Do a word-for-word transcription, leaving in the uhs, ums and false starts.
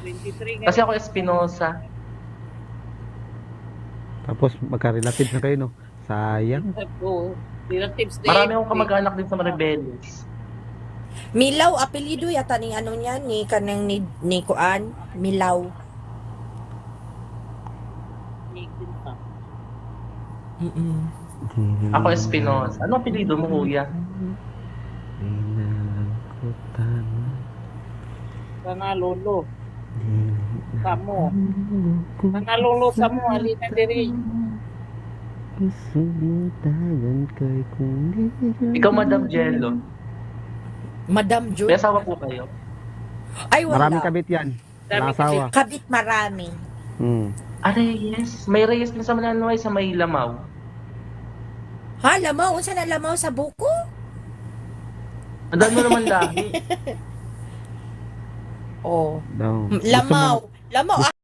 twenty-three Kasi ako Espinosa. Tapos magka-relatives na kayo, no? Sayang. Oo. Relatives din. Marami akong kamag-anak din sa Maribeles. Milaw, apelido yata ni ano niya, ni kanang ni, ni Kuan, Milaw. Mm-mm. Ako Espinosa. Ano apelido mo, kuya? Sana lolo. Samo. Sana lolo samo. Halina diri. Ikaw, Madam Jello. Madam June. May asawa po kayo? Ay, wala. Maraming kabit yan. Dami Nasawa. Kabit marami. Hmm. Ah, Reyes. May Reyes din sa Mananoy, sa may Lamaw. Ha, lamaw? Unsa na lamaw sa buko? Ang dami mo naman lahi. Oh. Daw. Gusto mo- Lamaw. Lamaw.